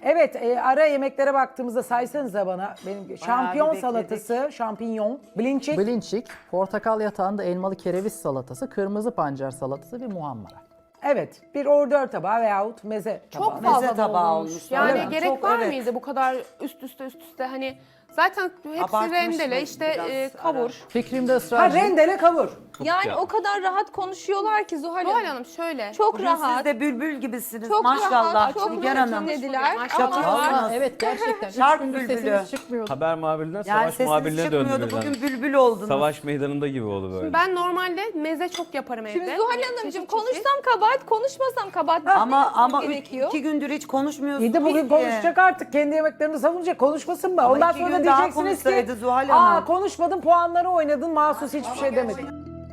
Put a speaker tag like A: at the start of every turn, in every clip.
A: Evet, ara yemeklere baktığımızda saysanıza bana. Benim şampiyon
B: bekledik.
A: salatası, şampinyon, blinçik.
C: Blinçik, portakal yatağında elmalı kereviz salatası, kırmızı pancar salatası ve muhammara.
A: Evet, bir ordör tabağı veyahut meze tabağı.
D: Çok fazla
B: Meze tabağı
D: doldurmuş.
B: olmuş.
D: Yani
A: Öyle mi?
D: gerek
B: Çok,
D: var
B: evet.
D: mıydı bu kadar üst üste hani zaten hepsi
B: Abartmış
D: rendele
B: mı
D: işte
B: biraz
D: kavur.
C: Fikrimde
A: Ha
C: ısrarcıyım.
A: rendele kavur.
E: Yani o kadar rahat konuşuyorlar ki Zuhal
D: Zuhal
E: Hanım.
D: Hanım şöyle.
E: Çok
B: Bugün
E: rahat.
B: siz de bülbül gibisiniz
E: Çok
B: maşallah
E: rahat, çok
B: Nigar
E: rahat
B: Hanım.
E: dinlediler.
D: Maşallah.
E: Ama
C: Aa, evet gerçekten.
B: Şark
C: Üç gündür
B: bülbülü.
C: sesiniz çıkmıyordu.
F: Haber muhabirinden
B: Yani
F: savaş
B: sesiniz
F: muhabirine döndü
B: çıkmıyordu
F: birden.
B: bugün bülbül oldunuz.
F: Savaş meydanında gibi oldu böyle.
D: Ben normalde meze çok yaparım evde.
E: şimdi Zuhal
D: Hani
E: Hanımcığım
D: çeşit çeşit.
E: konuşsam kabahat, konuşmasam kabahat.
B: Ama
E: gerekiyor.
B: 2 gündür hiç konuşmuyorsunuz.
A: İyi de bugün
B: ki.
A: konuşacak artık. Kendi yemeklerini savunacak. Konuşmasın mı?
B: Ama
A: Ondan
B: iki
A: sonra
B: gün daha
A: diyeceksiniz ki
B: konuşsaydı Zuhal Hanım.
A: aa konuşmadın, puanları oynadın, mahsus hiçbir şey demedin.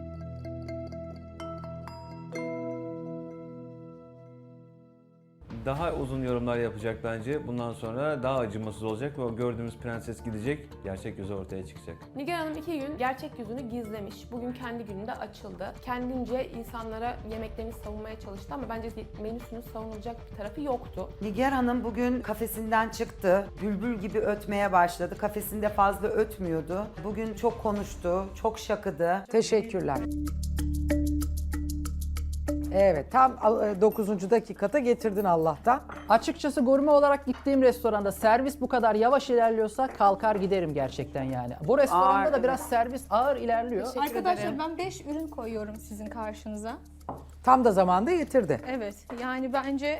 F: Daha uzun yorumlar yapacak bence. Bundan sonra daha acımasız olacak ve o gördüğümüz prenses gidecek. Gerçek yüzü ortaya çıkacak.
D: Nigar Hanım 2 gün gerçek yüzünü gizlemiş. Bugün kendi gününde açıldı. Kendince insanlara yemeklerini savunmaya çalıştı ama bence menüsünün savunulacak bir tarafı yoktu.
B: Nigar Hanım bugün kafesinden çıktı. Bülbül gibi ötmeye başladı. Kafesinde fazla ötmüyordu. Bugün çok konuştu, çok şakıdı.
A: Teşekkürler. Evet, tam 9. dakikada getirdin Allah'tan.
C: Açıkçası gurme olarak gittiğim restoranda servis bu kadar yavaş ilerliyorsa kalkar giderim gerçekten yani. Bu restoranda
B: Ağır,
C: da biraz servis ağır ilerliyor.
E: Arkadaşlar ben 5 ürün koyuyorum sizin karşınıza.
A: Tam da zamanda getirdi.
E: Evet yani bence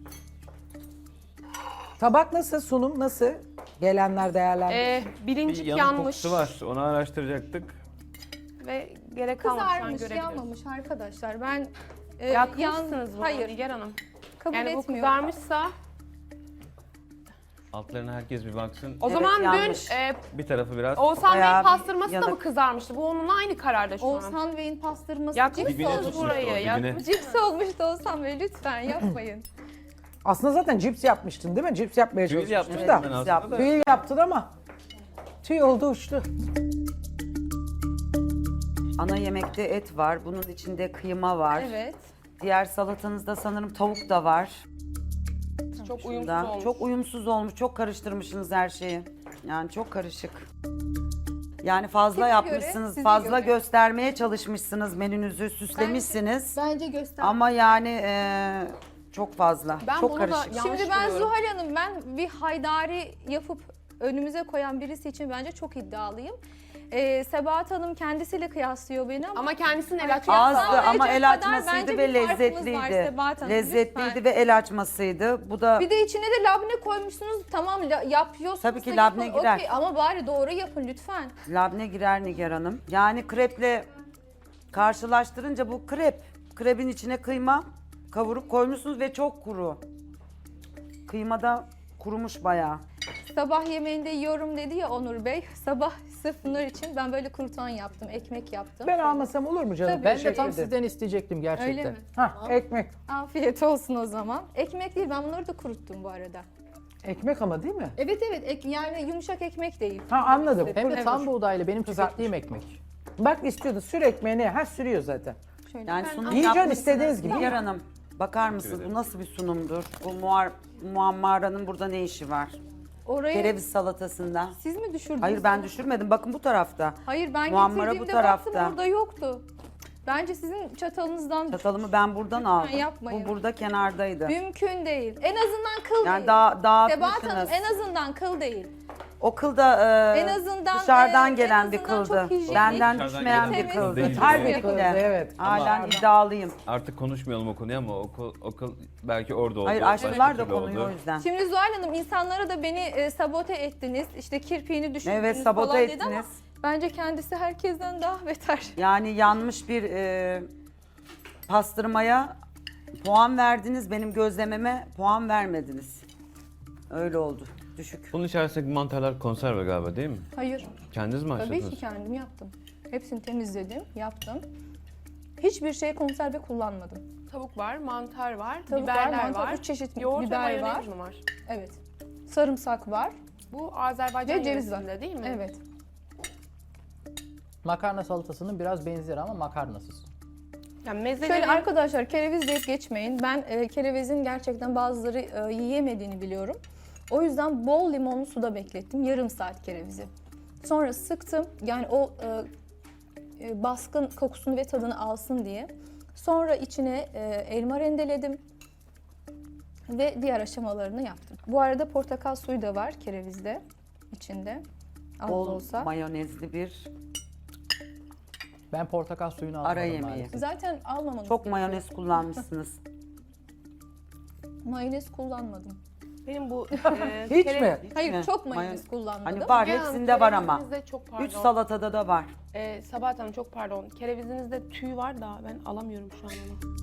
A: Tabak nasıl, sunum nasıl? Gelenler değerlendir.
F: Bir
D: Bilincik
F: yanık
D: yanmış
F: kokusu var. Onu araştıracaktık.
D: ve gerek kalmadı şu an
E: kızarmış,
D: görebiliyoruz.
E: yanmamış arkadaşlar. Ben
D: Yakmışsınız bunu
E: hayır
D: Nigar Hanım.
E: kabul
D: Yani bu
E: etmiyorum.
D: kızarmışsa
F: Altlarına herkes bir baksın.
D: o
B: Evet,
D: zaman
B: yanlış.
D: dün
F: Bir tarafı biraz
D: Oğuzhan
B: Bayağı
D: Bey'in
B: bir
D: pastırması da mı
B: yanık.
D: kızarmıştı? Bu onunla aynı kararda şu an.
E: Oğuzhan Bey'in pastırması
D: Yakmış
E: cips
F: dibine
E: olmuş.
F: tutmuş
D: burayı,
F: o, dibine.
D: yakmış.
E: Cips olmuştu Oğuzhan Bey lütfen yapmayın.
A: Aslında zaten cips yapmıştın değil mi? Cips yapmaya
F: Tüyül
A: çalışmıştın
F: yapmıştım
A: da.
F: ben aslında
B: yaptım.
F: da.
A: Tüyül yaptın ama tüy oldu uçtu.
B: Ana yemekte et var. Bunun içinde kıyma var.
E: Evet.
B: Diğer salatanızda sanırım tavuk da var.
D: Çok uyumsuz
B: Da.
D: olmuş.
B: Çok uyumsuz olmuş. Çok karıştırmışsınız her şeyi. Yani çok karışık. Yani fazla
E: Size
B: yapmışsınız.
E: göre, size
B: fazla
E: göre.
B: göstermeye çalışmışsınız. Menünüzü süslemişsiniz.
E: Bence göster.
B: Ama yani çok fazla.
D: Ben
B: çok
D: bunu da
B: karışık.
D: yanlış
E: Şimdi ben
D: buluyorum.
E: Zuhal Hanım ben bir haydari yapıp önümüze koyan birisi için bence çok iddialıyım. Sebahat Hanım kendisiyle kıyaslıyor beni ama
D: Ama kendisinin el açması
B: Azdı
E: Kıyaslanmayacak
B: ama el
E: kadar
B: açmasıydı
E: bence
B: ve
E: bir farkımız var
B: lezzetliydi.
E: Sebahat Hanım,
B: Lezzetliydi
E: lütfen.
B: ve el açmasıydı. Bu da
E: bir de içine de labne koymuşsunuz. Tamam yapıyorsunuz.
B: Tabii ki
E: da
B: labne
E: yapın,
B: girer.
E: okey, ama bari doğru yapın lütfen.
B: labne girer Nigar Hanım. Yani kreple karşılaştırınca bu krep. Krebin içine kıyma kavurup koymuşsunuz ve çok kuru. Kıyma da kurumuş bayağı.
E: Sabah yemeğinde yiyorum dedi ya Onur Bey. Sabah sırf Nur için ben böyle kruton yaptım, ekmek yaptım.
A: Ben almasam olur mu canım?
E: Tabii.
C: Ben de
A: Teşekkür
C: tam
A: ederim.
C: sizden isteyecektim gerçekten.
E: Öyle mi?
A: Hah, ekmek.
E: Afiyet olsun o zaman. Ekmek değil, ben bunları da kuruttum bu arada.
A: Ekmek ama değil mi?
E: Evet yani yumuşak ekmek değil.
A: Ha anladım.
C: Hem de
A: Evet.
C: tam buğdaylı benim
A: Kızartmış.
C: tükettiğim ekmek.
A: Bak istiyordu sür ekmeğini. Ha sürüyor zaten.
E: Şöyle.
B: Yani
E: Ben-
B: sunum
A: Yiyeceğim
B: yapmışsınız
A: istediğiniz gibi.
B: Nigar Hanım. Bakar mısınız bu nasıl bir sunumdur? Bu muammaranın burada ne işi var?
E: Oraya
B: Kereviz salatasında.
E: siz mi düşürdünüz?
B: Hayır ben
E: onu?
B: düşürmedim. Bakın bu tarafta.
E: Hayır ben
B: Muammara bu
E: getirdiğimde
B: tarafta.
E: baktım orada yoktu. Bence sizin çatalınızdan
B: Çatalımı ben buradan aldım.
E: yapmayın.
B: Bu burada kenardaydı.
E: mümkün değil. En azından kıl
B: Yani
E: değil.
B: daha
E: Sebahat Hanım
B: dağıtmışsınız.
E: en azından kıl değil.
B: O kıl da
E: En azından,
B: dışarıdan
E: en
B: gelen bir
E: azından
B: kıldı.
E: çok hijyenik.
B: Benden
F: Dışarıdan
B: düşmeyen
F: gelen
B: bir
E: bir
B: kıldı.
F: kıl değil.
A: Harbi
B: Kesinlikle.
A: kıldı, evet.
B: Halen iddialıyım.
F: Artık konuşmayalım o konuyu ama o kıl belki orada oldu.
B: Hayır
F: başka
B: açtılar da
F: türlü
B: konuyu
F: oldu.
B: o yüzden.
E: Şimdi Zuhal Hanım insanlara da beni sabote ettiniz. İşte kirpiğini düşürdünüz
B: Evet sabote
E: falan dedi ama
B: ettiniz.
E: bence kendisi herkesten daha beter.
B: Yani yanmış bir pastırmaya puan verdiniz. Benim gözlememe puan vermediniz. Öyle oldu. Düşük.
F: Bunun içerisindeki mantarlar konserve galiba değil mi?
E: Hayır.
F: Kendiniz mi
E: Tabii
F: açtınız?
E: ki kendim yaptım. Hepsini temizledim, yaptım. Hiçbir şey konserve kullanmadım.
D: Tavuk var, mantar var,
E: Tavuk
D: biberler
E: var, mantar,
D: var.
E: 3 çeşit
D: Yoğurt ve
E: biber
D: mayonez
E: var.
D: mi var?
E: Evet. Sarımsak var.
D: Bu Azerbaycan
E: Ve ceviz var.
D: yöresinde değil mi?
E: Evet.
C: Makarna salatasının biraz benzeri ama makarnasız.
D: Yani mezeleri...
E: Şöyle arkadaşlar kereviz deyip geçmeyin. Ben kerevizin gerçekten bazıları yiyemediğini biliyorum. O yüzden bol limonlu suda beklettim yarım saat kerevizi. Sonra sıktım yani o baskın kokusunu ve tadını alsın diye. Sonra içine elma rendeledim ve diğer aşamalarını yaptım. Bu arada portakal suyu da var kerevizde içinde. Az da
B: Bol
E: olsa.
B: mayonezli bir
C: Ben portakal suyunu almadım
B: ara yemeği.
C: maalesef.
E: Zaten almamanız
B: Çok
E: gerekiyor.
B: mayonez kullanmışsınız.
E: Mayonez kullanmadım.
D: Benim bu
A: Hiç mi?
E: Hayır
B: mi?
E: çok mayonez kullanmadım.
B: Hani var,
D: Müge Hanım,
B: hepsinde var ama.
D: kerevizinizde çok pardon.
B: 3 salatada da var.
D: Sabahat Hanım çok pardon. Kerevizinizde tüy var da ben alamıyorum şu an onu.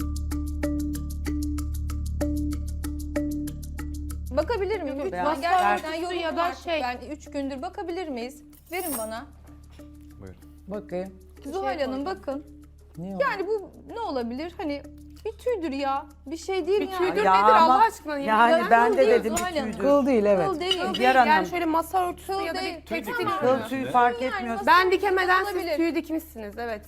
E: Bakabilir miyim?
D: Yok,
E: Lütfen
B: beyaz
E: gerçekten
D: tüy
E: yorum
D: ya da
E: artık.
D: şey-
E: Ben 3 gündür bakabilir miyiz? Verin bana.
F: Buyurun.
A: Bakayım.
E: Zuhal Hanım bakın.
A: Ne o?
E: Yani bu ne olabilir? Hani bir tüydür ya. Bir şey değil
D: Bir
E: ya.
D: tüydür
B: Ya
D: nedir
B: ama-
D: Allah aşkına?
B: Yani
D: Yani
B: ben
E: kıl
B: de
E: değil
B: dedim
E: Zuhal
B: bir
E: Hanım.
B: tüydür.
A: Kıl değil evet.
E: Kıl değil.
B: Diğer hanım.
D: Yani şöyle masa örtüsü
E: Kıl
D: ya da
E: değil.
D: bir tekstil
E: Tamam.
B: Kıl
D: ürünü.
B: tüy fark
E: Yani
B: etmiyor.
E: masa-
D: Ben dikemeden siz
E: Olabilir.
D: tüyü dikmişsiniz evet.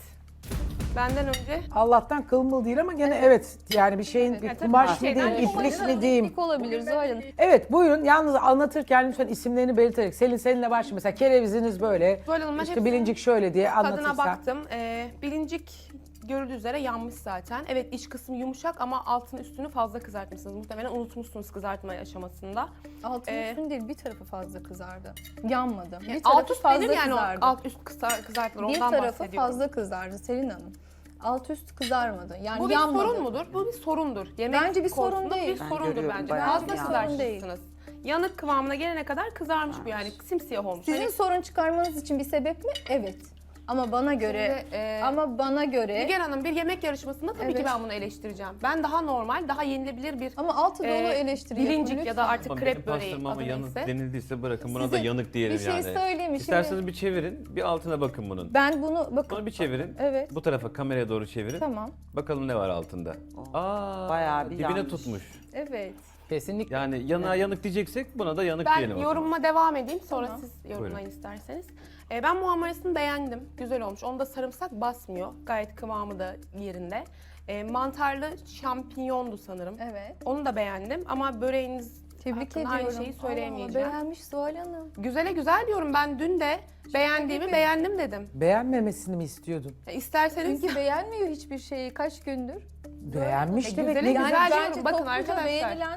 D: Benden önce.
A: Allah'tan kılmıl değil ama gene evet yani bir şeyin bir
D: Yani tabii
A: kumaş mı
D: şeyden
A: diyeyim,
D: yapılır.
A: iplik mi diyeyim.
E: İplik olabilir Zuhal Hanım.
A: Evet buyurun yalnız anlatırken lütfen isimlerini belirterek seninle başlayın. Mesela kereviziniz böyle,
D: Zuhal Hanım, ben
A: işte
D: hepsinin
A: bilincik şöyle diye
D: Tadına
A: anlatırsan.
D: baktım. Bilincik görüldüğü üzere yanmış zaten. Evet iç kısmı yumuşak ama altını üstünü fazla kızartmışsınız. Muhtemelen unutmuşsunuz kızartma aşamasında.
E: Altın
D: Ee,
E: üstün değil bir tarafı fazla kızardı. Yanmadı. Bir
D: Yani
E: tarafı
D: alt üst
E: fazla
D: denir yani o
E: kızardı.
D: alt üst kızartılır
E: Bir
D: ondan
E: tarafı
D: bahsediyorum.
E: fazla kızardı Selin Hanım. Alt üst kızarmadı. Yani
D: Bu bir
E: yanmadı.
D: sorun mudur? Bu bir sorundur. Yemek
E: Bence bir sorun
D: konusunda
E: değil.
D: Bir
B: Ben
D: sorundur
B: görüyorum
D: bence.
B: bayağı
D: Fazla
B: bir yanmış.
D: kızartmışsınız. Yanık kıvamına gelene kadar kızarmış bu yani. Simsiyah olmuş.
E: Sizin
D: Hani
E: sorun çıkarmanız için bir sebep mi? Evet. Ama bana göre
D: Şimdi,
E: ama bana göre
D: Nigar Hanım bir yemek yarışmasında tabii ki
E: Evet.
D: ben bunu eleştireceğim. Ben daha normal, daha yenilebilir bir
E: ama altı dolu eleştiri yapın
D: bilincik ya da
E: lütfen.
D: artık
F: Ama
D: krep
F: benim
D: böreği
F: pastırmama
D: adı
F: yanık
D: neyse.
F: denildiyse bırakın buna da
E: Size
F: yanık diyelim
E: bir şey
F: yani.
E: söyleyeyim mi?
F: İsterseniz
E: Şimdi
F: bir çevirin, bir altına bakın bunun.
E: ben bunu bakın.
F: Bunu bir çevirin.
E: Evet.
F: Bu tarafa kameraya doğru çevirin.
E: Tamam.
F: Bakalım ne var altında. Aa,
B: Bayağı bir
F: dibine
B: yanmış.
F: tutmuş.
E: Evet.
C: Kesinlikle.
F: Yani yanığa yanık diyeceksek buna da yanık
D: Ben
F: diyelim. o zaman.
D: yorumuma devam edeyim sonra
E: Tamam.
D: siz yorumlayın
F: Buyurun.
D: isterseniz. Ben muhammarasını beğendim. Güzel olmuş. Onda sarımsak basmıyor. Gayet kıvamı da yerinde. Mantarlı şampinyondu sanırım.
E: Evet.
D: Onu da beğendim ama böreğiniz
E: Tebrik
D: hakkında
E: ediyorum.
D: aynı şeyi söyleyemeyeceğim.
E: Allah, beğenmiş Zuhal Hanım.
D: Güzele güzel diyorum. Ben dün de beğendiğimi beğendim dedim.
A: Beğenmemesini mi istiyordun?
D: İsterseniz
E: Çünkü beğenmiyor hiçbir şeyi kaç gündür.
A: Beğenmiş demek
D: güzele
A: ne
D: güzel
A: güzel.
D: diyorum.
E: bence
D: Bakın
E: topluca
D: arkadaşlar.
E: beğenilen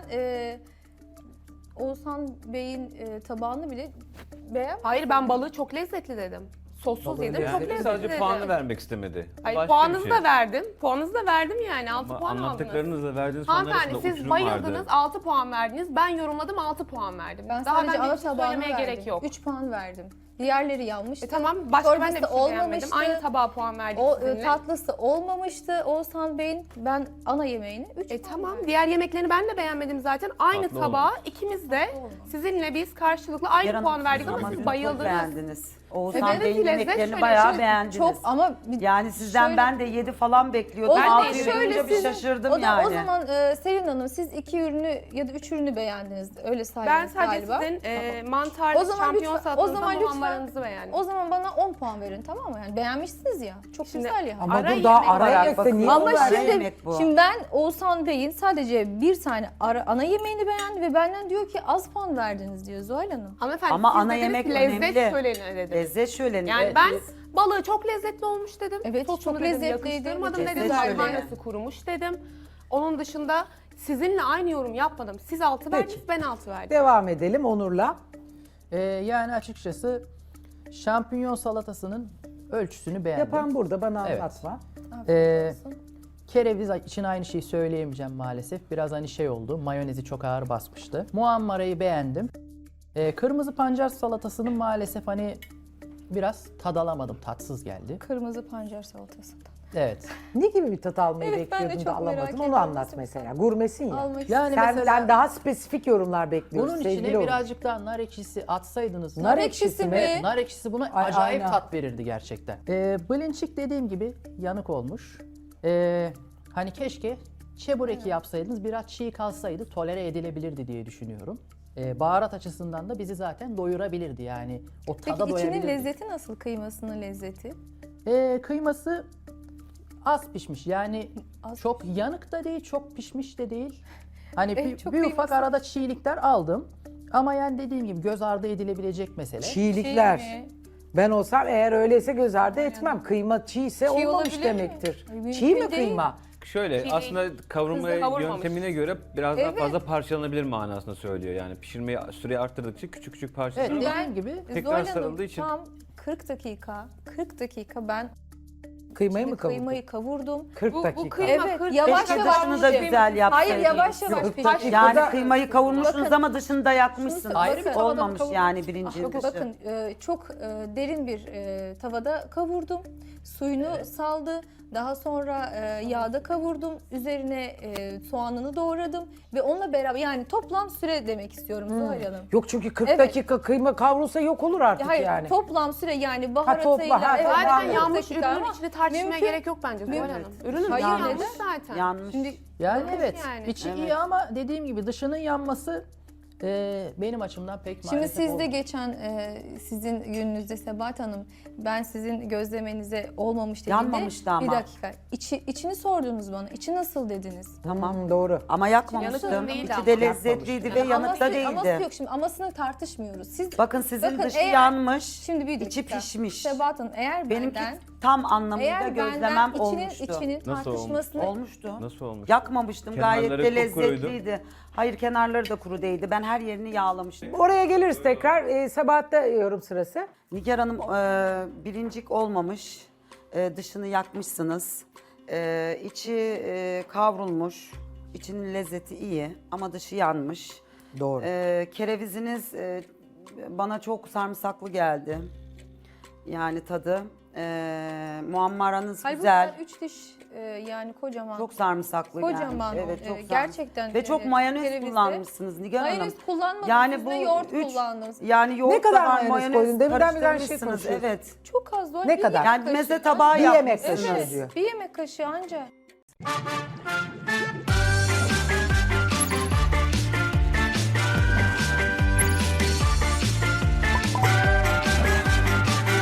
E: Oğuzhan Bey'in tabağını bile beğen.
D: Hayır ben balığı çok lezzetli dedim. Sossuz
A: Balığı
D: yedim çok
F: Yani
D: lezzetli
F: sadece
D: dedim.
F: puanı vermek istemedi.
D: Hayır
F: Başka
D: puanınızı
F: bir şey.
D: da verdim. Puanınızı da verdim yani 6
F: Ama
D: puan aldınız.
F: anlattıklarınızla verdiğiniz puanlar
D: Hanımefendi
F: arasında
D: siz
F: uçurum
D: bayıldınız
F: vardı.
D: 6 puan verdiniz. Ben yorumladım 6 puan verdim.
E: Ben
D: Daha
E: sadece
D: ben
E: ana
D: bir şey
E: tabağını
D: söylemeye
E: verdim.
D: gerek yok.
E: 3 puan verdim. Diğerleri yanmıştı.
D: Tamam başka ben de bir
E: Çorbası
D: şey beğenmedim.
E: olmamıştı.
D: Aynı tabağa puan verdik
E: O
D: sizinle.
E: tatlısı olmamıştı Oğuzhan Bey'in. Ben ana yemeğini 3
D: Tamam diğer yemeklerini ben de beğenmedim zaten. Aynı
F: Tatlı
D: tabağa
F: olmamış.
D: ikimiz de sizinle biz karşılıklı aynı
B: Yarın
D: puan verdik ama siz
B: çok
D: bayıldınız.
B: beğendiniz. Oğuzhan
D: Evet,
B: Bey'in
D: lezzet
B: yemeklerini
D: şöyle,
B: bayağı
D: şöyle
B: beğendiniz.
E: Çok ama
B: Yani sizden
E: şöyle-
B: ben de 7 falan bekliyordum.
E: O
D: Ben de
B: Altı
D: yedim.
E: şöyle
B: görünce bir
E: sizin,
B: şaşırdım
E: o da
B: yani.
E: o zaman Selin Hanım siz 2 ürünü ya da 3 ürünü beğendiniz. Öyle
D: Ben
E: saydınız
D: sadece
E: galiba.
D: sizin mantarlı
E: O zaman
D: şampiyon
E: lütfen- o
D: salatanızda
E: zaman lütfen-
D: muhammaranızı beğendim.
E: O zaman bana 10 puan verin tamam mı? Yani beğenmişsiniz ya. Çok
D: Şimdi-
E: güzel ya.
A: Ama
D: Ara
A: dur daha
D: yemek
A: ara
B: olarak
A: yemekte
B: bakın.
A: niye
E: Ama
A: o
B: ara
A: verdi?
E: şimdi,
B: yemek bu.
E: şimdi ben Oğuzhan Bey'in sadece bir tane ana yemeğini beğendi ve benden diyor ki az puan verdiniz diyor Zuhal Hanım.
D: Hanımefendi
B: Ama
D: siz
B: ana
D: dediniz
B: yemek
D: ki lezzet
B: önemli.
D: şöleni dedim.
B: Lezzet şöleni.
D: Yani
B: Evet.
D: ben balığı çok lezzetli olmuş dedim.
E: Evet,
D: Sosunu
E: çok
D: dedim,
E: lezzetliydi.
D: yakıştırmadım dedim.
B: Lezzet şöleni.
D: Makarnası kurumuş dedim. Onun dışında sizinle aynı yorum yapmadım. Siz 6
A: Peki.
D: verdiniz, ben 6 verdim.
A: Devam edelim Onur'la.
C: Yani açıkçası şampinyon salatasının ölçüsünü beğendim.
A: Yapan burada bana
C: Evet.
A: anlatma.
C: Ee, Kereviz için aynı şeyi söyleyemeyeceğim maalesef. Biraz hani şey oldu, mayonezi çok ağır basmıştı. Muammarayı beğendim. Kırmızı pancar salatasının maalesef hani biraz tad alamadım, tatsız geldi.
E: Kırmızı pancar salatası.
C: Evet.
A: Ne gibi bir tat almayı
E: Evet, ben de
A: bekliyordun da
E: çok merak
A: alamadın? Onu
E: ediyorum.
A: anlat mesela. Gurmesin ya.
E: Almak
C: Yani
A: Senden
C: mesela
A: daha spesifik yorumlar bekliyoruz
C: bunun
A: sevgili
C: içine
A: Onur.
C: birazcık daha nar ekşisi atsaydınız.
A: Nar ekşisi mi?
C: Nar ekşisi buna
A: Ay,
C: acayip
A: aynen.
C: tat verirdi gerçekten. Blinçik dediğim gibi yanık olmuş. Hani keşke çebureki yapsaydınız, biraz çiğ kalsaydı tolere edilebilirdi diye düşünüyorum. Baharat açısından da bizi zaten doyurabilirdi yani. O tada
E: Peki içinin
C: doyabilirdik.
E: lezzeti nasıl? Kıymasının lezzeti?
C: Kıyması az pişmiş yani
E: Az
C: çok yanık da değil, çok pişmiş de değil. Hani
E: En
C: bir
E: çok
C: ufak
E: kıyması.
C: arada çiğlikler aldım. Ama yani dediğim gibi göz ardı edilebilecek mesele.
A: Çiğlikler.
E: Çiğ mi?
A: Ben olsam eğer öyleyse göz ardı etmem. Kıyma çiğse olmamış
E: olabilir mi?
A: demektir.
E: Ay, mümkün
A: Çiğ mi
E: değil.
A: kıyma?
F: Şöyle
D: Çiğ
F: aslında kavurma
D: Hızlı kavurmamış.
F: yöntemine göre biraz daha
E: Evet.
F: fazla parçalanabilir manasında söylüyor. Yani pişirmeyi süreyi arttırdıkça küçük küçük
C: Evet
F: parçalanır.
C: dediğim gibi
F: Tekrar
E: Zuhal Hanım,
F: sarıldığı için.
E: tam 40 dakika ben
A: Kıymayı mı kavurdun?
E: kıymayı kavurdum.
A: 40
D: Bu
A: dakika.
D: kıyma
E: Evet,
D: 40
E: yavaş
B: Keşke
E: yavaş
B: dışını da
E: pişirmiş.
B: güzel yapsaydın.
E: Hayır yavaş yavaş
A: Yok,
E: pişmiş.
B: Yani
A: dakikada-
B: kıymayı kavurmuşsunuz
E: Bakın,
B: ama dışını da yakmışsınız.
E: şunu
C: Ayrı bir
E: tavada
B: Olmamış
E: kavurdum.
B: yani birinci dışı.
E: Bakın çok derin bir tavada kavurdum. Suyunu saldı. Daha sonra yağda kavurdum. Üzerine soğanını doğradım. Ve onunla beraber yani toplam süre demek istiyorum Zuhal Hanım.
A: Yok çünkü 40
E: Evet.
A: dakika kıyma kavrulsa yok olur artık
E: Hayır
A: yani.
E: toplam süre yani
A: topla,
E: baharatıyla.
A: ha,
E: evet,
D: Zaten
A: Tamam.
E: 40
D: yanmış
E: dakika
D: ürünün
E: ama
D: içine tartışmaya
E: mümkün.
D: gerek yok bence Zuhal
E: Mümkün.
D: Hanım. Ürünün
E: Hayır,
D: yanmış
E: neden?
D: zaten.
B: Yanmış.
E: Şimdi
C: yani
D: Yanlış
C: evet
D: yani.
C: içi
B: Evet.
C: iyi ama dediğim gibi dışının yanması benim açımdan pek
E: Şimdi
C: maalesef
E: siz de
C: olmuyor.
E: geçen sizin gününüzde Sebahat Hanım ben sizin gözlemenize olmamış dediğimde
B: Yanmamıştı ama.
E: bir dakika içini sordunuz bana. İçi nasıl dediniz?
B: Tamam.
A: Doğru.
B: Ama yakmamıştım.
D: Yanık değildi
B: İçi
D: ama.
B: de lezzetliydi ve yanık da
E: Aması
B: değildi.
E: yok şimdi amasını tartışmıyoruz. Siz
B: Bakın sizin
E: Bakın
B: dışı
E: eğer-
B: yanmış,
E: şimdi bir
B: içi
E: dakika.
B: pişmiş.
E: Sebahat Hanım eğer
B: Benimki
E: benden
B: tam anlamıyla
E: eğer
B: gözlemem
E: benden içinin
B: olmuştu.
F: Nasıl
E: tartışmasını
B: Olmuştu.
F: Nasıl olmuş?
B: Yakmamıştım. Gayet
F: Kenarları
B: de
F: kupkuruydu.
B: lezzetliydi. Hayır kenarları da kuru değildi. Ben her yerini yağlamıştım.
A: Oraya geliriz tekrar. Sabahat'ta yorum sırası.
B: Nigar Hanım birincik olmamış. Dışını yakmışsınız. İçi kavrulmuş. İçinin lezzeti iyi ama dışı yanmış.
A: Doğru.
B: Kereviziniz bana çok sarımsaklı geldi. Yani tadı. Muammaranız
E: Hayır,
B: güzel.
E: bunlar 3 diş yani kocaman.
B: Çok sarımsaklı
E: Kocaman
B: gelmiş. Evet,
E: o,
B: çok sarımsak-
E: gerçekten,
B: Ve çok
E: evet,
B: mayonez
E: kerevizde.
B: kullanmışsınız Nigar Hanım.
E: Mayonez kullanmadım.
B: Yani
E: Siz
B: bu
E: de yoğurt
B: üç-
E: kullandınız.
B: Yani yoğurt
A: Ne kadar
B: da var,
A: mayonez koydun? Deminden beri her şey
B: karıştırmışsınız,
A: konuşuyoruz.
B: Evet.
E: Çok az var.
A: Ne
E: bir
A: kadar?
E: yemek
B: Yani meze
E: kaşığı.
B: tabağı
A: Bir yemek
B: yapmışsınız.
A: kaşığı
E: Evet,
A: diyor.
E: bir yemek kaşığı anca.